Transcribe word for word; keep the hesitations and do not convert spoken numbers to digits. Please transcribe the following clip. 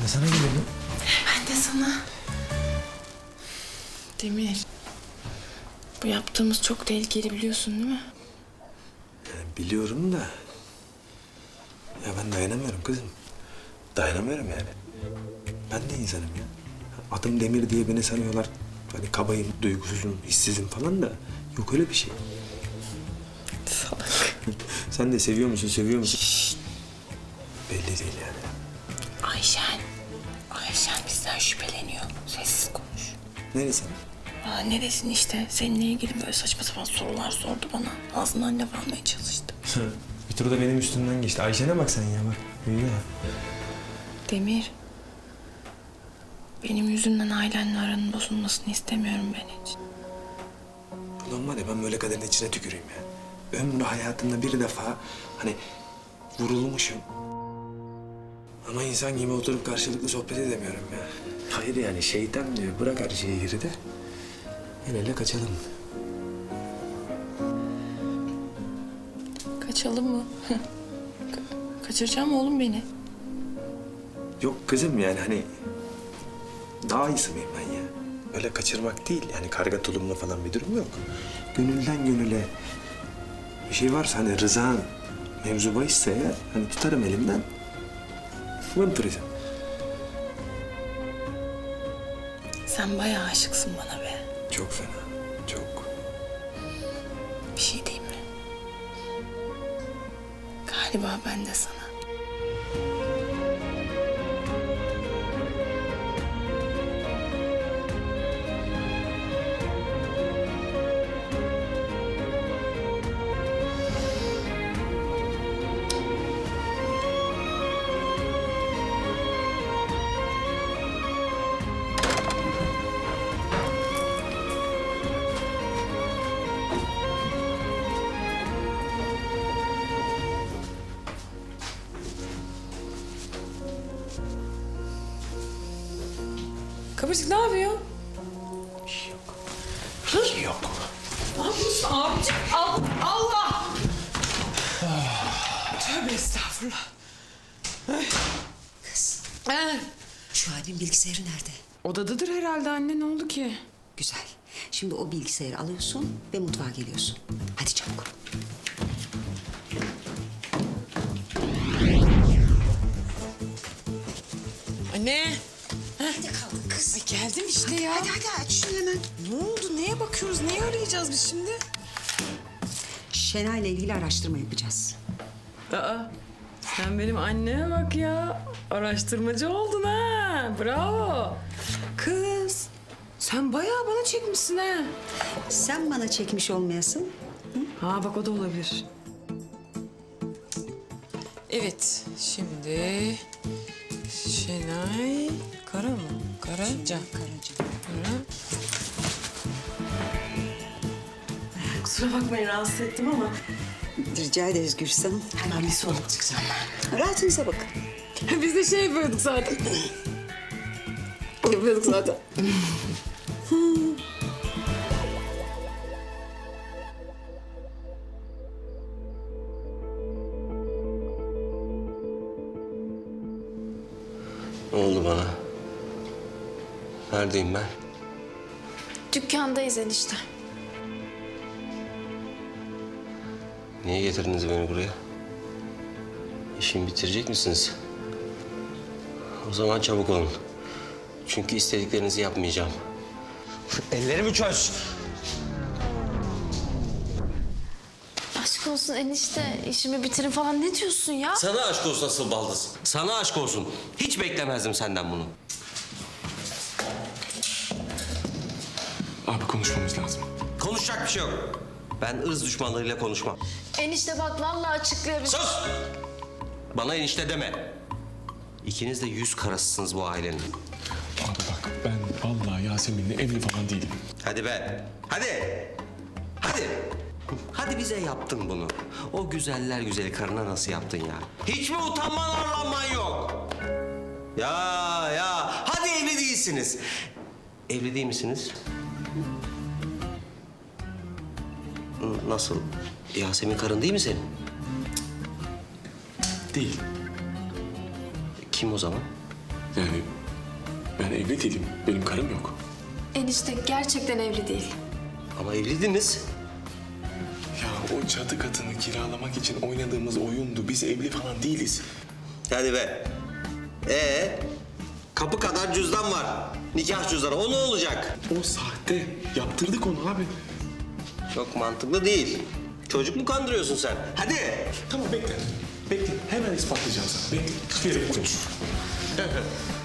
de sana geliyordum. Ben de sana. Demir. Bu yaptığımız çok tehlikeli biliyorsun değil mi? Yani biliyorum da... Ya ben dayanamıyorum kızım. Dayanamıyorum yani. Ben de insanım ya. Adım Demir diye beni sanıyorlar. Hani kabayım, duygusuzum, hissizim falan da... Yok öyle bir şey. Salak. Sen de seviyor musun, seviyor musun? Şşt. Belli değil yani. Ayşen. Ayşen bizden şüpheleniyor. Sessiz konuş. Neresi? Aa, neresin işte? Seninle ilgili böyle saçma sapan sorular sordu bana. Ağzından laf almaya çalıştı. Bir tur da benim üstümden geçti. Ayşe'ne bak sen ya bak. Büyüdü ha. Demir. Benim yüzümden ailenle aranın bozulmasını istemiyorum ben hiç. Ulan var ya ben böyle kaderin içine tüküreyim ya. Ömrü hayatımda bir defa hani vurulmuşum. Ama insan gibi oturup karşılıklı sohbet edemiyorum ya. Hayır yani şeytan diyor bırak her şeyi geride. El ele kaçalım. Kaçalım mı? Ka- kaçıracağım oğlum beni. Yok kızım yani hani daha iyisi miyim ben ya? Öyle kaçırmak değil yani karga tulumlu falan bir durum yok. Gönülden gönüle bir şey varsa hani rızan mevzu bahisse ya hani tutarım elimden. Vımpıracağım. Sen bayağı aşıksın bana be. Çok fena, çok. Bir şey diyeyim mi? Galiba ben de sana. Kıvırcık ne yapıyor? Bir şey yok. Bir şey yok. Ne yapıyorsun abicim? Al, Allah! Tövbe estağfurullah. Kız, Ee, şu abim bilgisayarı nerede? odadadır herhalde anne. Ne oldu ki? Güzel. Şimdi o bilgisayarı alıyorsun ve mutfağa geliyorsun. Hadi çabuk. Anne. Hadi kalk kız. Ay geldim işte ya. Hadi hadi aç şunu hemen. Ne oldu? Neye bakıyoruz? Neyi arayacağız biz şimdi? Şenay'la ilgili araştırma yapacağız. Aa, sen benim anneme bak ya. Araştırmacı oldun ha. Bravo. Kız, sen bayağı bana çekmişsin ha. Sen bana çekmiş olmayasın. Ha bak o da olabilir. Evet, şimdi Şenay Kara mı? Karaca. Karaca. Kara. Kusura bakmayın rahatsız ettim ama. Rica ederiz Gülsün Hanım. Hemen bir soluk çıkacağım ben. Rahatınıza bakın. Biz de şey yapıyorduk zaten. yapıyorduk zaten. Ne oldu bana? Neredeyim ben? Dükkandayız enişte. Niye getirdiniz beni buraya? İşimi bitirecek misiniz? O zaman çabuk olun. Çünkü istediklerinizi yapmayacağım. Ellerimi çöz! Aşk olsun enişte, işimi bitirin falan ne diyorsun ya? Sana aşk olsun asıl baldız. Sana aşk olsun. Hiç beklemezdim senden bunu. Abi konuşmamız lazım. Konuşacak bir şey yok. Ben ırz düşmanlarıyla konuşmam. Enişte bak vallahi açıklıyorum. Sus! Bana enişte deme. İkiniz de yüz karasısınız bu ailenin. Abi bak ben vallahi Yasemin'le evli falan değilim. Hadi be. Hadi. Hadi. Hadi bize yaptın bunu. O güzeller güzeli karına nasıl yaptın ya? Hiç mi utanman arlanman yok? Ya ya. Hadi evli değilsiniz. Evli değil misiniz? N- Nasıl? Yasemin karın değil mi senin? Değil. Kim o zaman? Yani ben evli değilim. Benim karım yok. Enişte gerçekten evli değil. Ama evliydiniz. Ya o çatı katını kiralamak için oynadığımız oyundu. Biz evli falan değiliz. Hadi be. Ee, kapı kadar cüzdan var. Nikah cüzdanı. O ne olacak? O sahte. Yaptırdık onu abi. Çok mantıklı değil. Çocuk mu kandırıyorsun sen? Hadi. Tamam bekle. Bekle. Hemen ispatlayacağım sana. Bekle. Hiçbir yere konuş.